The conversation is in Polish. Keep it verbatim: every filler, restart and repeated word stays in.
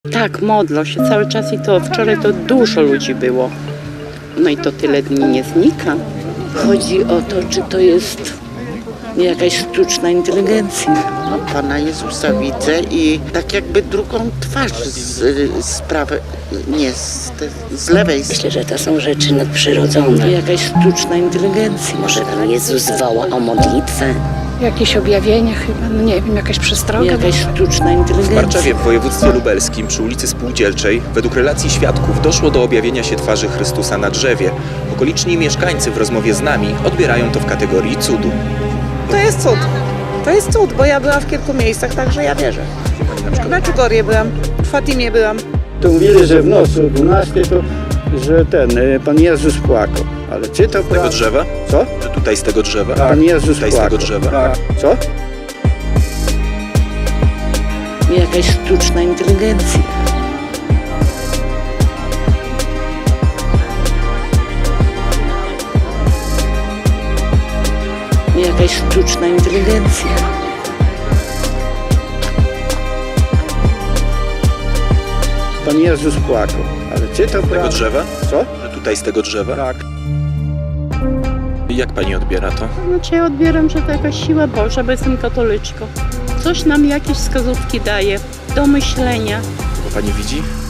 Tak, modlą się cały czas i to wczoraj to dużo ludzi było. No i to tyle dni nie znika. Chodzi o to, czy to jest jakaś sztuczna inteligencja. No, Pana Jezusa widzę i tak jakby drugą twarz z, z prawej, nie, z, z lewej strony. Myślę, że to są rzeczy nadprzyrodzone. Jakaś sztuczna inteligencja. Może tam Jezus woła o modlitwę? Jakieś objawienia chyba, no nie wiem, jakaś przestroga. Jakaś sztuczna W inteligencja. Barczewie w województwie lubelskim przy ulicy Spółdzielczej według relacji świadków doszło do objawienia się twarzy Chrystusa na drzewie. Okoliczni mieszkańcy w rozmowie z nami odbierają to w kategorii cudu. To jest cud. To jest cud, bo ja byłam w kilku miejscach, także ja wierzę. W Meczugorje byłam, w Fatimie byłam. To mówili, że w nocy o dwunastej to, że ten, y, Pan Jezus płakał. Ale czy to Z tego drzewa? Co? Że tutaj z tego drzewa? Pan Jezus Tutaj z płakał. tego drzewa? Tak. Co? Jakaś sztuczna inteligencja. Jakaś sztuczna inteligencja. Pan Jezus płakał. Ale czy to Z tego prawda? drzewa? Co? Że tutaj z tego drzewa? Tak. I jak pani odbiera to? Znaczy ja odbieram, że to jakaś siła Boża, bo jestem katoliczką. Coś nam jakieś wskazówki daje do myślenia. Bo pani widzi?